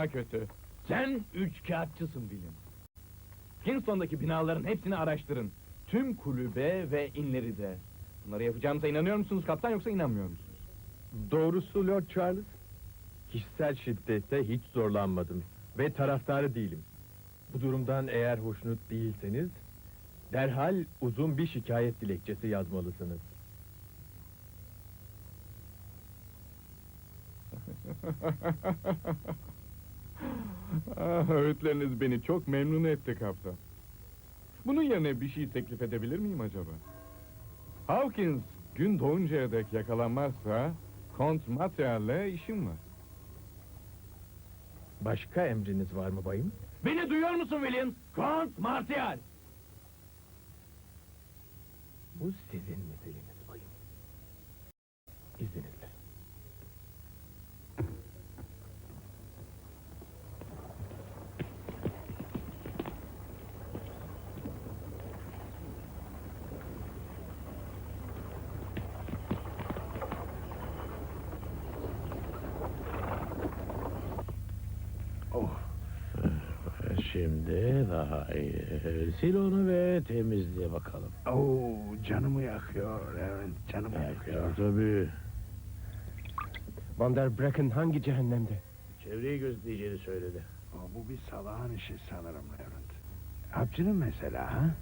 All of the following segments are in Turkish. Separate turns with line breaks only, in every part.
daha kötü. Sen üçkağıtçısın William. Kingston'daki binaların hepsini araştırın. Tüm kulübe ve inleri de. Bunları yapacağımıza inanıyor musunuz kaptan, yoksa inanmıyor musunuz?
Doğrusu Lord Charles, kişisel şiddete hiç zorlanmadım ve taraftarı değilim. Bu durumdan eğer hoşnut değilseniz, derhal uzun bir şikayet dilekçesi yazmalısınız.
Öğütleriniz beni çok memnun etti kaptan. Bunun yerine bir şey teklif edebilir miyim acaba? Hawkins gün doğuncaya dek yakalanmazsa Kont Materyal'le işim var.
Başka emriniz var mı bayım?
Beni duyuyor musun William? Kont Martial!
Bu sizin meseleniz bayım. İzninizle.
Şimdi daha iyi. Sil onu ve temizle bakalım.
Oo, canımı yakıyor, evet, canımı yakıyor.
Tabii.
Van der Brecken hangi cehennemde?
Çevreyi gözleyeceğini söyledi.
Bu bir salağın işi sanırım Levent. Hapçının mesela, ha?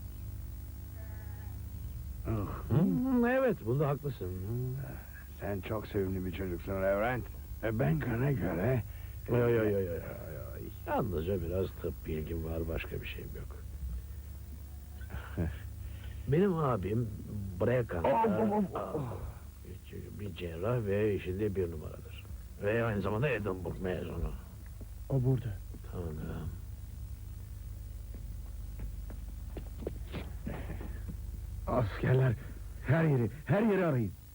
Evet, bunda haklısın.
Sen çok sevimli bir çocuksun Levent. Ben kana göre...
Yo. Yalnızca biraz tıp bilgim var, başka bir şeyim yok. Benim abim Brecken'da bir cerrah ve işinde bir numaradır. Ve aynı zamanda Edinburgh mezunu.
O burada.
Tanrım.
Askerler, her yeri arayın.